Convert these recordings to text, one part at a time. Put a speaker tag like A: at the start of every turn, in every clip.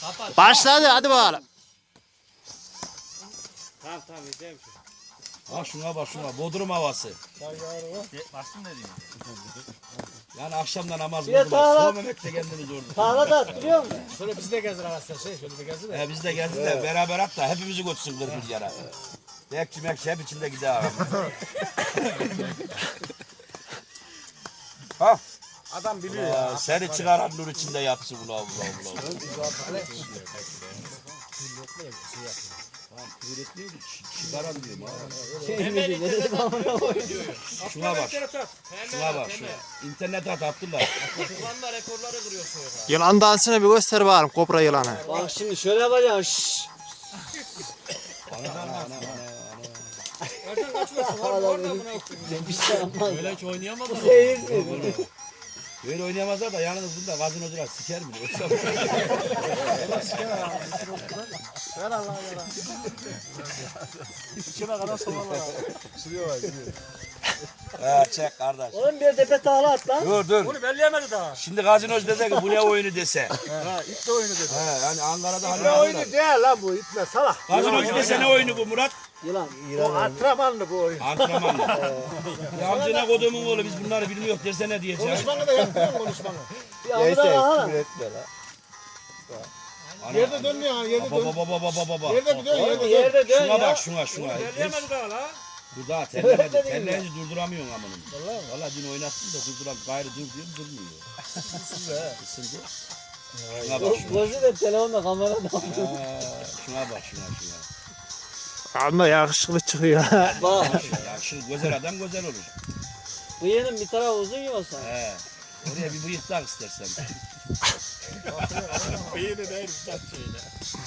A: Başladı hadi bakalım.
B: Tamam izleyeyim şu.
C: Ha şuna bak şuna. Bodrum havası.
B: Bastın dediğin.
C: Yani akşamda namaz
D: Bir de
C: kıldılar.
D: tağla-
C: Son Mehmet'le kendimiz orada.
D: Tarla da attırıyor musun?
B: Şöyle biz de gezdir arkadaşlar şöyle bir gezdir de.
C: Biz de geldik de beraber at da hepimizi götürsün 40 yara. Bekçi mekçi hep içinde gider abi. Ha.
B: Adam biliyor ya.
C: Seni çıkaran nur içinde yatsın ula ula ula. Çıkaran diyorum ha. Şuna bak. Şuna bak şuna. İnternete attılar.
B: Kurbanla rekorları kırıyorsun ya.
A: Yılan dansını bir göster bakalım kobra yılanı.
D: Bak şimdi şöyle yapacaksın. Şşş.
B: Ercan kaçmasın orada buna
D: Bir şey yapmaz.
B: Öyle hiç oynayamadım.
D: Seyir.
C: Böyle oynayamazlar da yalnız bunda gazinocular siker mi?
B: Ver Allah'a ver. İçime kadar soğanlar.
C: Çek kardeş.
D: Oğlum bir tepe tağla at lan.
C: Dur.
B: Bunu belleyemedi daha.
C: Şimdi gazinocu dese ki bu ne oyunu dese.
B: Ha ip de oyunu dedi.
C: Yani Ankara'da hani
E: Ne oyunu değil lan bu itme salak.
C: gazinocu dese ne oyunu bu Murat?
D: Yılan.
E: O antrenmanlı bu oyun.
C: Antrenmanla. Ya amcına koduğumun oğlu biz bunları bilmiyoruz derse ne diyeceğim?
E: Konuşmanı da yapmıyor konuşmanı.
D: Bir avıda bakalım.
E: Yerde dönmüyor ha yerde dön.
C: Baba.
E: Yerde bir dön
D: Oğlum
E: yerde dön.
D: yerde dön
C: Şuna
D: ya.
C: bak şuna.
B: Belleyemedi daha la.
C: Dur daha terlemedi. Terleyince durduramıyorsun amınım. Valla dün oynattım da durduram. Gayrı dur diyorum durmuyor. Isındı. Şuna bak şuna.
D: Gözü de telefonla kamerada.
C: Şuna bak şuna.
A: Ama yakışıklı çıkıyor.
D: Bak.
C: Ya şu güzel adam güzel olur.
D: Bıyığının bir tarafı uzun yiyorsa.
C: He. Oraya bir bıyık tak istersen.
B: Beyni değil saç şeyle.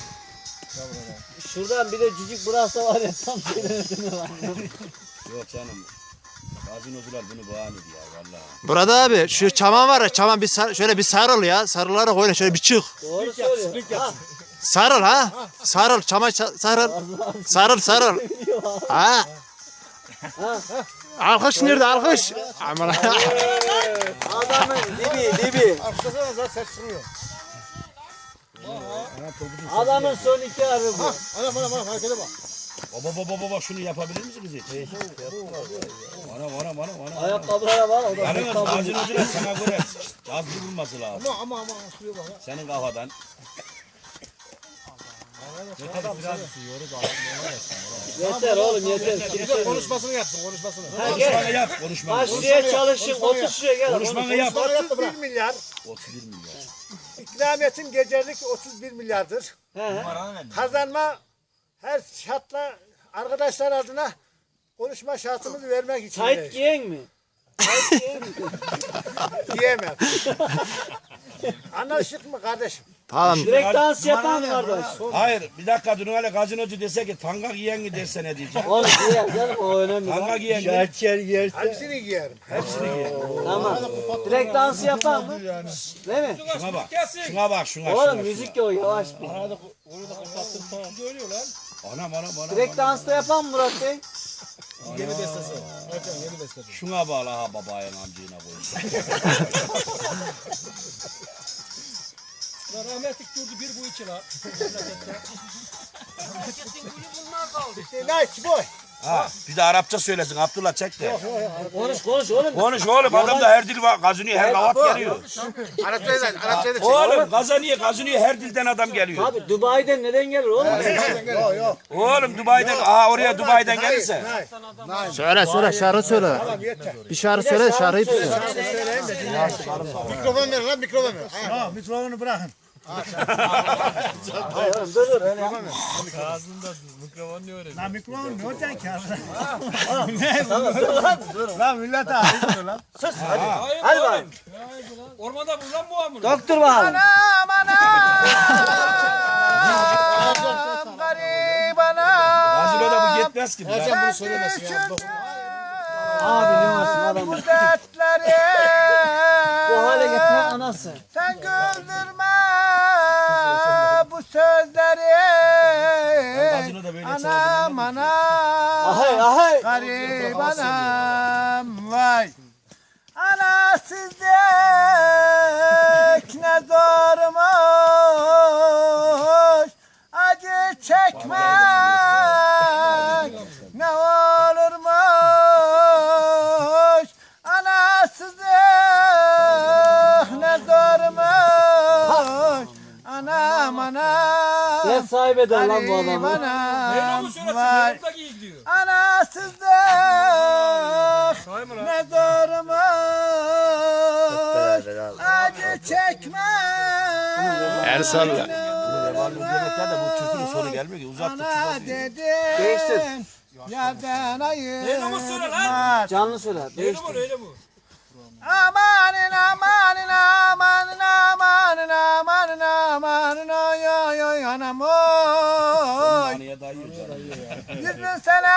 D: Şuradan bir de cücük bıraksa var ya tam söylemedin lan.
C: Yok canım. Gazinocular bunu bahane ediyor valla.
A: Burada abi şu çaman var ya çaman bir şöyle bir sarıl ya. Sarılarak oyna şöyle bir çık.
D: Doğru söylüyor. Ha.
A: Sarıl ha. Sarıl çama sarıl. Sarıl. Ha. Alkış nerede alkış? Aman.
D: Adamın dibi.
E: Arkasına da ses çıkmıyor.
D: Adamın son iki harbi bu.
E: Ana harekete bak.
C: Baba şunu yapabilir misiniz hiç? Ana.
D: Ayakkabılara var o da.
C: Yalnız gazinocular sana göre cazlı bulması lazım.
E: Ama şuraya bak ya.
C: Senin kafadan.
D: Yeter oğlum yeter.
E: Bir de konuşmasını yapsın konuşmasını.
D: Ha, gel.
C: Konuşmanı yap konuşmanı.
D: Bak şuraya çalışın. Otur şuraya gel.
C: Konuşmanı yap.
E: 31 milyar.
C: 31 milyar.
E: İkramiyetin gecelik 31 milyardır.
D: He.
E: Kazanma her şartla arkadaşlar adına konuşma şartımızı vermek için.
D: Tayt giyen mi? Tayt giyen mi?
E: Diyemem. Anlaştık mı kardeşim?
A: Tamam.
D: Direkt dans yapan kardeş.
C: Hayır bir dakika dur hele gazinocu dese ki tanga giyen mi derse ne diyeceğim?
D: Oğlum giyer canım o önemli.
C: Tanga
D: Lan.
C: giyen mi?
E: Hepsini giyerim.
C: Hepsini giyer.
D: Tamam. Direkt dans yapan mı? Değil mi?
C: Şuna bak şuna.
D: Oğlum müzik yok yavaş bir.
C: Anam.
D: Direkt dansta yapan mı Murat Bey?
E: Yeni bestesi. Ercan yeni bestesi.
C: Şuna bağla ha babayın amcığına koyun.
B: Rahmetlik durdu bir bu iki la.
E: Nice boy.
C: Ha bir de Arapça söylesin Abdullah çek de.
D: Konuş oğlum.
C: Konuş oğlum adamda her dil var. Gazinoya her kavat geliyor.
E: Arapçayı da
C: Oğlum Gazinoya her dilden adam geliyor.
D: Abi Dubai'den neden gelir oğlum?
E: Yok.
C: Oğlum Dubai'den oraya Dubai'den gelirse.
A: Söyle şarkı söyle.
E: Tamam yeter.
A: Bir şarkı söyle şarkıyı söyle.
E: Mikrofon ver lan mikrofon ver. Ha, mikrofonu bırakın.
D: Hayır oğlum dur.
E: Lan mikrofon ne olacaksın ki?
D: Tamam dur lan dur.
E: Lan millet ağrıyor lan.
D: Hadi bak.
B: Ormanda bul lan bu amını.
D: Doktor bakalım.
C: Gazinoda bu yetmez ki.
E: Ercan bunu söylemesin ya.
D: Abi ne varsın adamın. Bu hale getiren anası.
E: Sen güldürme bu sözleri.
C: Gazinoda böyle
E: Anam
D: Ahay ahay.
E: garip anam vay. Anasızlık ne zormuş. çekmek ne olurmuş anasızlık ne zormuş anam anam
D: Ne sahibi eder lan bu
E: Ali
D: adamı?
E: bana
B: Meyrumu söylesin.
E: vay.
B: Meyrum da iyi gidiyor.
E: Anasızlık
B: Say mı lan?
E: ne zormuş acı çekmek
C: Ersan
E: ne
C: de bu türkünün sonu gelmiyor ki uzak
E: ana
D: Değiştir.
E: dedim yerden
B: Meyrumu söyle lan.
E: ayırmaz.
D: Canlı söyle.
B: Meyrum
D: Değiştir.
B: öyle mi?
E: Amanın amanın amanın amanın amanın amanın oy oy oy anam oy.
C: Saniye dayıyor canım.
E: 100 bin sene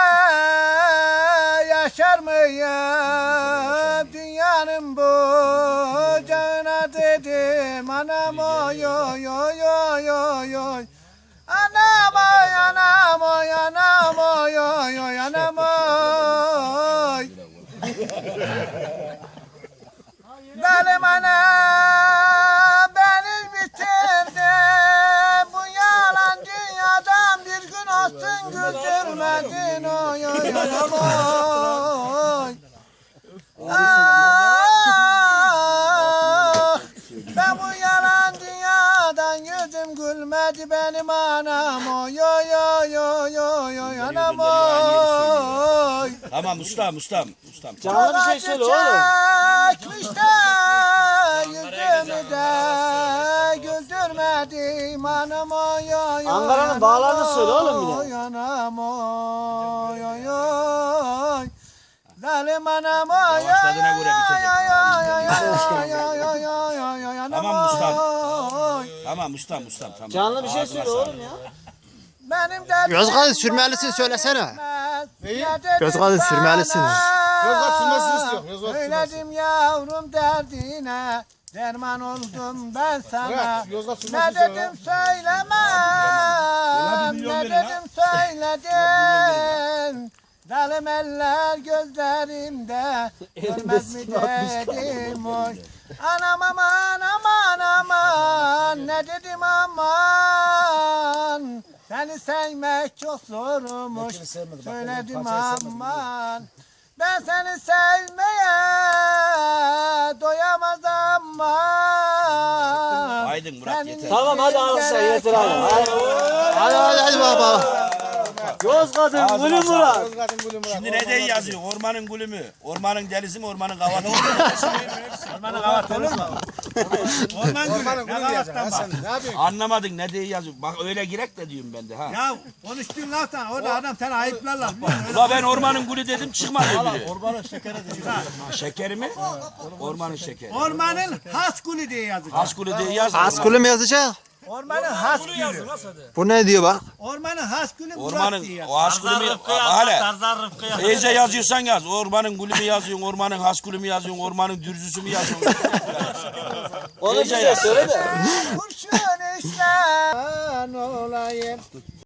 E: yaşar mıyım dünyanın bucağına dedim anam oy oy oy oy oy oy. Anam oy anam oy anam oy oy oy anam oy. Benim anam beni bitirdi. Bu yalan dünyadan bir gün olsun güldürmedin. Oy oy anam oy. Ah, ben bu yalan dünyadan yüzüm gülmedi benim anam. Oy oy oy oy oy oy anam oy.
C: Tamam ustam.
D: Canlı bir şey söyle oğlum.
E: Çekmiş de yüzümü de güldürmedim anam oy oy.
D: Ankara'nın bağlarını söyle oğlum bir de.
E: Oy anam oy oy oy. Zalim anam oy oy
C: Başladığına göre bitecek.
E: oy oy oy oy oy oy anam
C: Tamam ustam.
E: oy.
C: Tamam ustam tamam.
D: Canlı bir şey
C: Ağzına
D: söyle
C: sağlık.
D: oğlum ya.
E: Benim derdim
A: Yozgat sürmelisini söylesene.
E: Neyi?
A: Yozgat'ın sürmelisini.
E: Yozgat sürmesini istiyor. Söyledim yavrum derdine. Derman oldum ben sana. Ne dedim söylemem. Ne dedim söyledim. Zalim eller gözlerimde. Görmez mi dedim oy. Anam aman aman aman. Ne dedim aman. Seni sevmek çok zormuş. Söyledim aman. Ben seni sevmeye doyamaz aman.
C: Aydın Murat yeter.
D: Tamam hadi alkışlar yeter abi.
A: Hadi baba.
D: Yozgat'ın gülü Murat.
C: Şimdi ne diye yazıyor? Ormanın gülü mü? Ormanın delisi mi? Ormanın kavatı mı?
E: Ormanın kavat olur mu?
B: Ormanın gülü diyeceksin.
E: Ne yapıyorsun?
C: Anlamadın ne diye yazıyor? Bak öyle girek de diyorum ben de ha.
E: Ya konuştuğun laftan orada adam seni ayıplar lan.
C: Ula ben ormanın gülü dedim çıkmadı biri.
E: Ormanın şekeri diyor.
C: Şekeri mi? Ormanın şekeri.
E: Ormanın has gülü diye yazıyor.
C: Az gülü diye yaz.
A: Askulü mü yazacak?
E: Ormanın has
B: Bunu
E: gülü.
B: yazın nasıl hadi?
A: Bu ne diyor bak?
E: Ormanın has gülü Murat
C: Ormanın
E: diye yazıyor.
C: o az gülü mü? Hala. İyice yazıyorsan yaz. Ormanın gülü mü yazıyorsun? Ormanın has gülü mü yazıyorsun? Ormanın dürzüsü mü yazıyorsun?
D: Onu bize söyle de.
E: Kurşun işler olayım.